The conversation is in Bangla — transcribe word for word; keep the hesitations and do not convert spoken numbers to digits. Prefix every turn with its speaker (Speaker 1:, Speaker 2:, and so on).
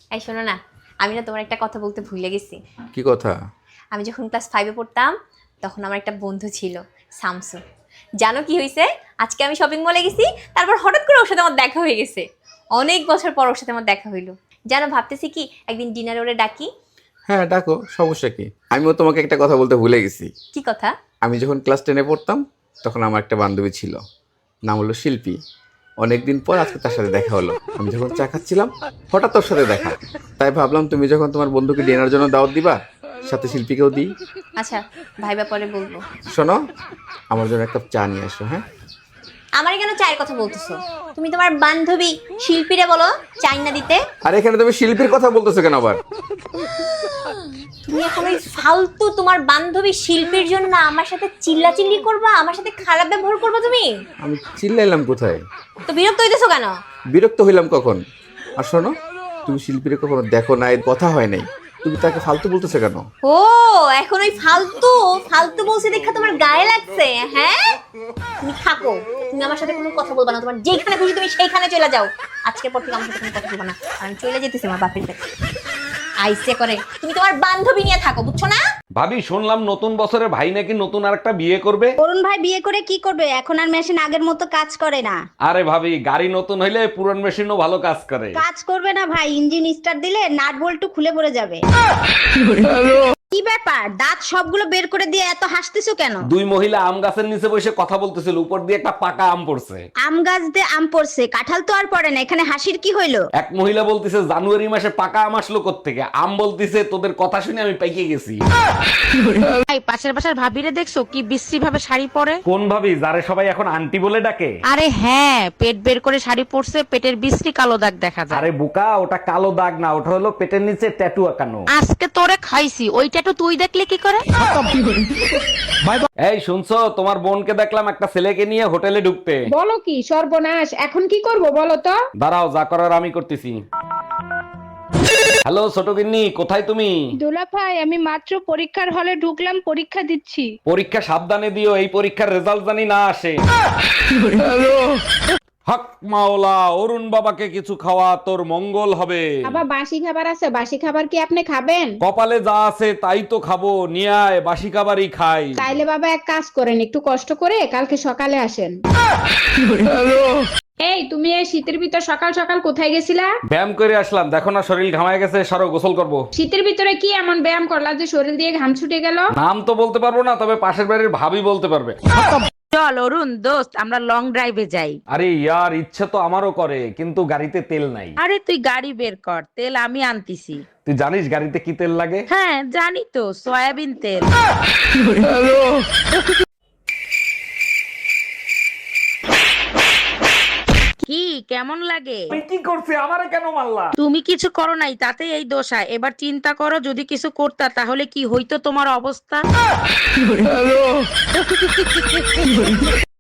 Speaker 1: এই শোনো না, আমি না তোমার একটা কথা বলতে ভুলে গেছি।
Speaker 2: কি কথা?
Speaker 1: আমি যখন ক্লাস ফাইভে পড়তাম তখন আমার একটা বন্ধু ছিল, শামসু। জানো কি হয়েছে? আজকে আমি শপিং মলে গেছি, তারপর হঠাৎ করে ওর সাথে আমার দেখা হয়ে গেছে। অনেক বছর পর ওর সাথে আমার দেখা হইলো। জানো, ভাবতেছি কি একদিন ডিনারে ওরে ডাকি।
Speaker 2: হ্যাঁ ডাকো, সমস্যা কি? আমিও তোমাকে একটা কথা বলতে ভুলে গেছি।
Speaker 1: কি কথা?
Speaker 2: আমি যখন ক্লাস টেনে পড়তাম তখন আমার একটা বান্ধবী ছিল, নাম হলো শিল্পী। অনেকদিন পর আজকে তার সাথে দেখা হলো। আমি যখন চা খাচ্ছিলাম হঠাৎ তোর সাথে দেখা, তাই ভাবলাম তুমি যখন তোমার বন্ধুকে ডিনার জন্য দাওয়াত দিবা, সাথে শিল্পীকেও দিই।
Speaker 1: আচ্ছা, ভাইবা পরে বলবো।
Speaker 2: শোনো, আমার জন্য একটা কাপ চা নিয়ে আসো। হ্যাঁ,
Speaker 1: আমারে কেন চায়ের কথা বলতেছো? তুমি তোমার বান্ধবী শিল্পীরে বলো চাই না দিতে।
Speaker 2: আর এখানে তুমি শিল্পীর কথা বলতেছো কেন আবার?
Speaker 1: তুমি এখন ওই ফালতু তোমার বান্ধবী শিল্পীর জন্য আমার সাথে চিল্লাচিল্লি করবা, আমার সাথে খারাপ ব্যবহার করবা তুমি?
Speaker 2: আমি চিল্লাইলাম কোথায়?
Speaker 1: তো বিরক্ত হইতেছো কেন?
Speaker 2: বিরক্ত হইলাম কখন? আর শোনো, তুমি শিল্পীরে কখনো দেখো নাই, কথা হয় নাই, তুমি তাকে ফালতু বলতেছো কেন?
Speaker 1: ও, এখন ওই ফালতু ফালতু বলছি দেখা তোমার গায়ে লাগছে? হ্যাঁ, তুমি থাকো, তুমি আমার সাথে কোনো কথা বলবা না। তোমার যেখানে খুশি তুমি সেইখানে চলে যাও। আজকের পর থেকে আমার সাথে কোনো কথা বলবা না। আর আমি চলে যেতেছি আমার বাপের কাছে। আইসে করে তুমি তোমার বান্ধবী নিয়ে থাকো, বুঝছো না?
Speaker 3: ভাবি, শুনলাম নতুন বছরে ভাই নাকি নতুন আরেকটা বিয়ে করবে।
Speaker 4: অরুণ ভাই বিয়ে করে কি করবে? এখন আর মেশিন আগের মতো কাজ করে না।
Speaker 3: আরে ভাবি, গাড়ি নতুন হইলে পুরান মেশিনও ভালো কাজ করে।
Speaker 4: কাজ করবে না ভাই, ইঞ্জিন স্টার্ট দিলে নাট বল্টু খুলে পড়ে যাবে। কি ব্যাপার, দাঁত সবগুলো বের করে দিয়ে এত হাসতেছো কেন?
Speaker 3: দুই মহিলা আম গাছের নিচে বসে কথা বলতেছিল, উপর দিয়ে একটা পাকা আম পড়ছে।
Speaker 4: আম গাছ দিয়ে আম পড়ছে, কাঁঠাল তো আর পড়ে না, এখানে হাসির কি হইলো?
Speaker 3: এক মহিলা বলতিছে জানুয়ারি মাসে পাকা আম আসলো কোত্থেকে। আম বলতিছে তোদের কথা শুনে আমি পাইকে গেছি।
Speaker 5: ভাই, পাশের বাসার ভাবিরে দেখছো কি বিশ্রী ভাবে শাড়ি পরে?
Speaker 3: কোন ভাবি, যারে সবাই এখন আন্টি বলে ডাকে?
Speaker 5: আরে হ্যাঁ, পেট বের করে শাড়ি পরছে, পেটের বিশ্রী কালো দাগ দেখা যায়।
Speaker 3: আরে বোকা, ওটা কালো দাগ না, ওটা হলো পেটের নিচে ট্যাটু আঁকানো।
Speaker 5: আজকে তোরে খাইছি, ওইটা তো তুই দেখলে কি করে?
Speaker 3: এই শুনছো, তোমার বোনকে দেখলাম একটা ছেলেকে নিয়ে হোটেলে ঢুকতে।
Speaker 6: বলো কি সর্বনাশ, এখন কি করব বলো তো?
Speaker 3: দাঁড়াও, যা করার আমি করতেছি। হ্যালো ছোট গিন্নি, কোথায় তুমি?
Speaker 6: দোলা ভাই, আমি মাত্র পরীক্ষার হলে ঢুকলাম, পরীক্ষা দিচ্ছি।
Speaker 3: পরীক্ষা সাবধানে দিও, এই পরীক্ষার রেজাল্ট জানি না আসে। হক মাওলা, অরুণ বাবাকে কিছু খাওয়া, তোর মঙ্গল হবে।
Speaker 6: বাবা, বাসি খাবার আছে, বাসি খাবার কি আপনি খাবেন?
Speaker 3: কপালে যা আছে তাই তো খাবো, নিয়ে আয়, বাসি খাবারই খাই।
Speaker 6: তাইলে বাবা এক কাজ করেন, একটু কষ্ট করে কালকে সকালে আসেন। এই, তুমি এই শীতের ভিতর সকাল সকাল কোথায় গেছিলা?
Speaker 3: ব্যায়াম করে আসলাম, দেখো না শরীর ঘামায় গেছে, সরো গোসল করবো।
Speaker 6: শীতের ভিতরে কি এমন ব্যায়াম করলা যে শরীর দিয়ে ঘাম ছুটে গেল?
Speaker 3: নাম তো বলতে পারবো না, তবে পাশের বাড়ির ভাবি বলতে পারবে।
Speaker 5: চল অরুণ দোস্ত, আমরা লং ড্রাইভে যাই।
Speaker 3: আরে ইয়ার, ইচ্ছে তো আমারও করে, কিন্তু গাড়িতে তেল নাই।
Speaker 5: আরে তুই গাড়ি বের কর, তেল আমি আনতিছি।
Speaker 3: তুই জানিস গাড়িতে কি তেল লাগে?
Speaker 5: হ্যাঁ জানি তো, সয়াবিন তেল। কি কেমন লাগে?
Speaker 3: তুই কি করছিস, আমারে কেন মারলা?
Speaker 5: তুমি কিছু করো নাই, তাতে এই দোষা। এবার চিন্তা করো, যদি কিছু করতা তাহলে কি হইতো তোমার অবস্থা।